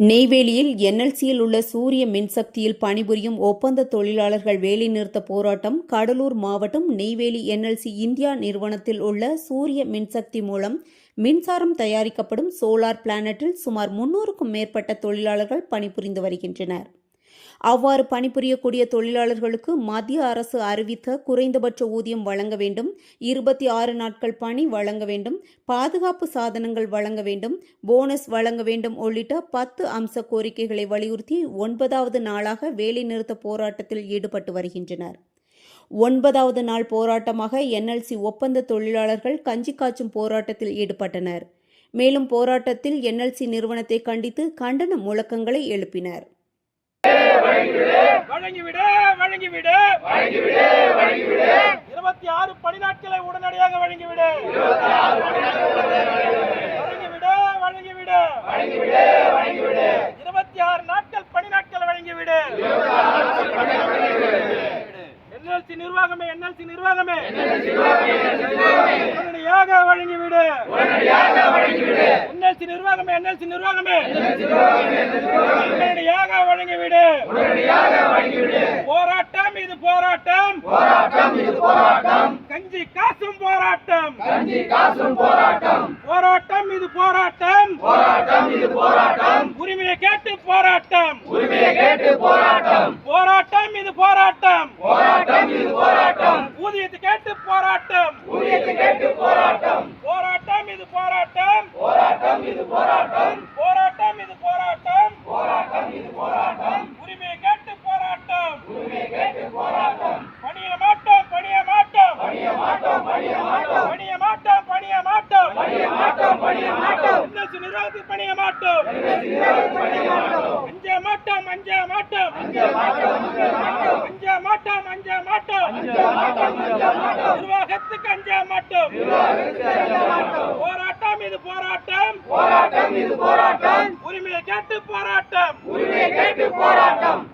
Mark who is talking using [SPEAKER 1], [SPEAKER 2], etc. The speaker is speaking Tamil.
[SPEAKER 1] நெய்வேலியில் என்எல்சியில் உள்ள சூரிய மின்சக்தியில் பணிபுரியும் ஒப்பந்த தொழிலாளர்கள் வேலைநிறுத்த போராட்டம். கடலூர் மாவட்டம் நெய்வேலி என்எல்சி இந்தியா நிறுவனத்தில் உள்ள சூரிய மின்சக்தி மூலம் மின்சாரம் தயாரிக்கப்படும் சோலார் பிளானட்டில் சுமார் 300க்கும் மேற்பட்ட தொழிலாளர்கள் பணிபுரிந்து வருகின்றனர். அவ்வாறு பணிபுரியக்கூடிய தொழிலாளர்களுக்கு மத்திய அரசு அறிவித்த குறைந்தபட்ச ஊதியம் வழங்க வேண்டும், 26 நாட்கள் பணி வழங்க வேண்டும், பாதுகாப்பு சாதனங்கள் வழங்க வேண்டும், போனஸ் வழங்க வேண்டும் உள்ளிட்ட 10 அம்ச கோரிக்கைகளை வலியுறுத்தி 9வது நாளாக வேலைநிறுத்த போராட்டத்தில் ஈடுபட்டு வருகின்றனர். 9வது நாள் போராட்டமாக என்எல்சி ஒப்பந்த தொழிலாளர்கள் கஞ்சி காய்ச்சும் போராட்டத்தில் ஈடுபட்டனர். மேலும் போராட்டத்தில் என்எல்சி நிறுவனத்தை கண்டித்து கண்டன முழக்கங்களை எழுப்பினர்.
[SPEAKER 2] வழங்கிவிடு 26 பணி நாட்களை உடனடியாக வழங்கிவிடு. வழங்கிவிடு 26 நாட்கள் பணி நாட்கள் வழங்கிவிடு. என்எல்சி நிர்வாகமே உடனடியாக வழங்கிவிடு. என்எல்சி நிர்வாகமே உடனடியாக வழங்கிவிடு. போராட்டம் இது போராட்டம், கஞ்சி காசும் போராட்டம், போராட்டம் இது போராட்டம், உரிமையை கேட்டு போராட்டம், போராட்டம் இது போராட்டம், ஊதியத்தை கேட்டு போராட்டம், போராட்டம் இது போராட்டம், போராட்டம் இது போராட்டம், உரிமையை கேட்டு போராட்டம், பணிய மாட்டோம், என்எல்சி நிர்வாகத்துக்கு பணிய மாட்டோம், அஞ்ச மாட்டோம், நிர்வாகத்துக்கு அஞ்ச மாட்டோம். போராட்டம் இது போராட்டம், உரிமையை கேட்டு போராட்டம்,